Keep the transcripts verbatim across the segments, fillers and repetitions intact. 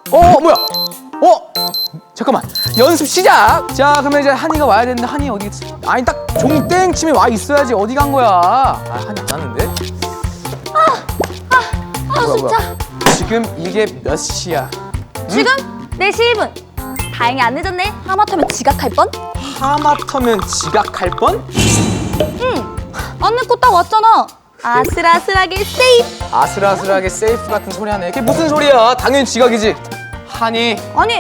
어 뭐야? 어 잠깐만 연습 시작. 자 그러면 이제 한이가 와야 되는데 한이 어디 있지? 아니 딱 종땡 치면 와 있어야지. 어디 간 거야? 아 한이 안 왔는데? 아 뭐야, 진짜. 뭐야. 지금 이게 몇 시야? 지금 네 시 일 분. 다행히 안 늦었네. 하마터면 지각할 뻔? 하마터면 지각할 뻔? 응. 안 늦고 딱 왔잖아. 아슬아슬하게 세이프. 아슬아슬하게 세이프 같은 소리 하네. 그게 무슨 소리야? 당연히 지각이지. 한이 아니.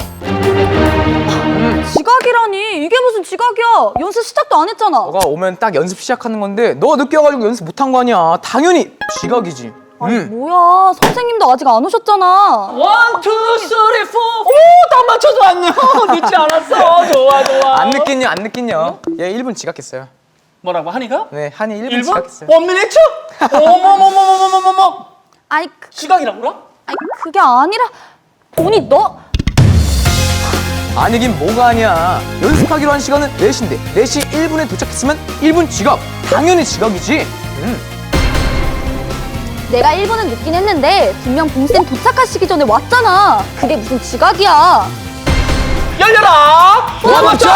지각이라니. 이게 무슨 지각이야. 연습 시작도 안 했잖아. 너가 오면 딱 연습 시작하는 건데 너 늦게 와가지고 연습 못한 거 아니야. 당연히 지각이지. 아니 음. 뭐야. 선생님도 아직 안 오셨잖아. 원, 투, 쓰리, 포. 오, 다 맞춰서 왔네. 늦지 않았어. 좋아, 좋아. 안 느꼈냐? 안 느꼈냐? 얘 일 분 지각했어요. 뭐라고, 한이가? 네, 한이 일 분 일 분? 지각했어요. 원 미니트? 어머머머머머머머머. 아니 그, 시각이라고라? 아니 그게 아니라 본이 너. 아니긴 뭐가 아니야. 연습하기로 한 시간은 네 시인데 네 시 일 분에 도착했으면 일 분 지각. 당연히 지각이지. 음. 내가 일 분은 늦긴 했는데 분명 봉쌤 도착하시기 전에 왔잖아. 그게 무슨 지각이야. 열려라! 와 맞춰!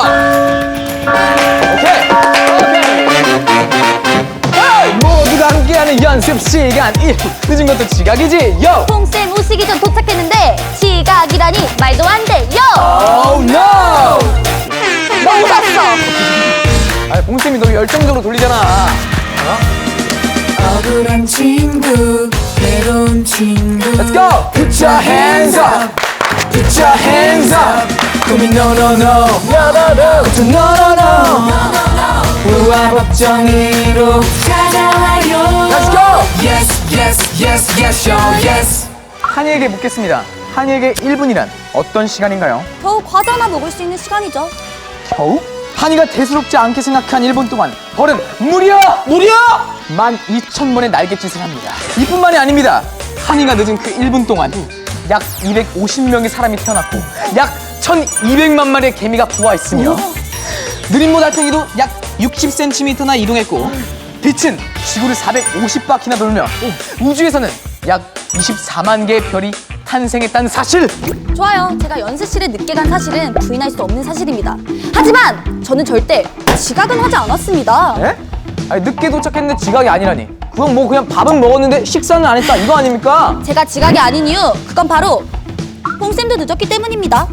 오케이. 오케이. 에이, 모두가 함께하는 연습 시간 일 분 늦은 것도 지각이지. 요. 봉쌤 오시기 전 도착했는데 지각이라니 말도 안 돼. 요! Oh no! 너 웃었어. 아, 봉쌤이 너무 열정적으로 돌리잖아. 어? 억울한 친구, 외로운 친구. Let's go! Put your hands up! Put your hands up! 고민 no no no! No no no! No no no! 우와 법정으로 찾아와요. Let's go! Yes, yes, yes, yes, show, yes. 한이에게 묻겠습니다. 한이에게 일 분이란 어떤 시간인가요? 겨우 과자 하나 먹을 수 있는 시간이죠. 겨우? 한이가 대수롭지 않게 생각한 일 분 동안 벌은 무려! 무려! 만 이천 번의 날갯짓을 합니다. 이뿐만이 아닙니다. 한이가 늦은 그 일 분 동안 약 이백오십 명의 사람이 태어났고 약 천이백만 마리의 개미가 부화했으며 느림모 달팽이도 약 육십 센티미터나 이동했고 빛은 지구를 사백오십 바퀴나 돌며 우주에서는 약 이십사만 개의 별이 탄생했다는 사실! 좋아요. 제가 연습실에 늦게 간 사실은 부인할 수 없는 사실입니다. 하지만 저는 절대 지각은 하지 않았습니다. 에? 아니, 늦게 도착했는데 지각이 아니라니. 그건 뭐 그냥 밥은 먹었는데 식사는 안 했다 이거 아닙니까? 제가 지각이 아닌 이유 그건 바로 봉쌤도 늦었기 때문입니다.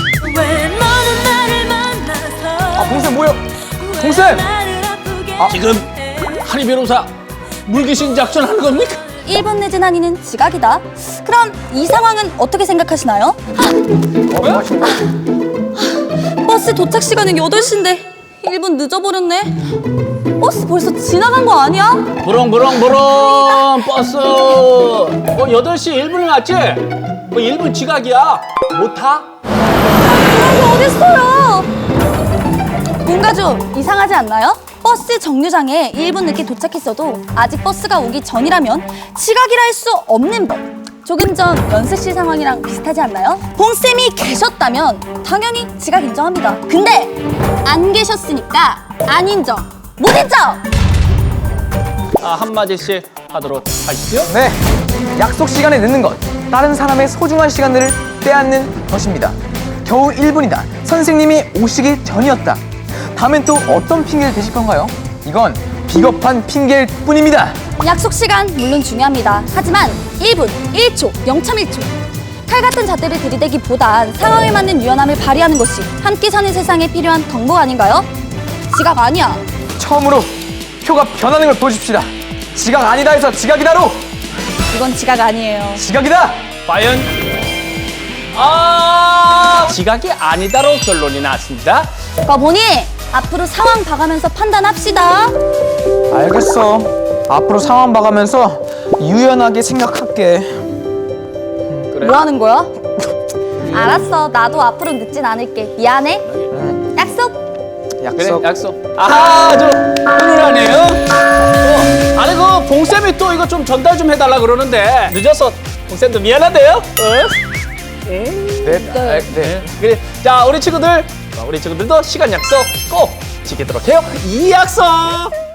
아 봉쌤 뭐요? 봉쌤! 지금 한이 변호사 물귀신 작전 하는 겁니까? 일 분 늦은 한이는 지각이다. 그럼 이 상황은 어떻게 생각하시나요? 어, 뭐 하시는 거야? 버스 도착 시간은 여덟 시인데 일 분 늦어버렸네. 버스 벌써 지나간 거 아니야? 부렁부렁부렁 버스. 뭐 여덟 시 일 분이 맞지? 뭐 일 분 지각이야. 못 타? 그런 게 어딨어요? 뭔가 좀 이상하지 않나요? 버스 정류장에 일 분 늦게 도착했어도 아직 버스가 오기 전이라면 지각이라 할 수 없는 법. 조금 전 연습실 상황이랑 비슷하지 않나요? 봉쌤이 계셨다면 당연히 지각 인정합니다. 근데 안 계셨으니까 안 인정, 못 인정! 아, 한마디씩 하도록 하시죠. 네, 약속 시간에 늦는 것, 다른 사람의 소중한 시간들을 빼앗는 것입니다. 겨우 일 분이다. 선생님이 오시기 전이었다. 다음엔 또 어떤 핑계를 대실 건가요? 이건 비겁한 핑계일 뿐입니다. 약속 시간 물론 중요합니다. 하지만 일 분, 일 초, 영 점 일 초. 칼 같은 잣대를 들이대기보단 상황에 맞는 유연함을 발휘하는 것이 함께 사는 세상에 필요한 덕목 아닌가요? 지각 아니야. 처음으로 표가 변하는 걸 보여줍시다. 지각 아니다 해서 지각이다로! 이건 지각 아니에요. 지각이다! 과연 아 지각이 아니다로 결론이 났습니다. 거 보니 앞으로 상황 봐가면서 판단합시다. 알겠어. 앞으로 상황 봐가면서 유연하게 생각할게. 그래. 뭐 하는 거야? 알았어. 나도 앞으로 늦진 않을게. 미안해. 약속. 그래 약속. 약속. 아주 훈훈하네요. 어, 아니 그 봉쌤이 또 이거 좀 전달 좀 해달라 그러는데 늦어서 봉쌤도 미안한데요. 어? 네, 아, 네. 그래. 자 우리 친구들 우리 친구들도 시간 약속 꼭 지키도록 해요. 이 약속.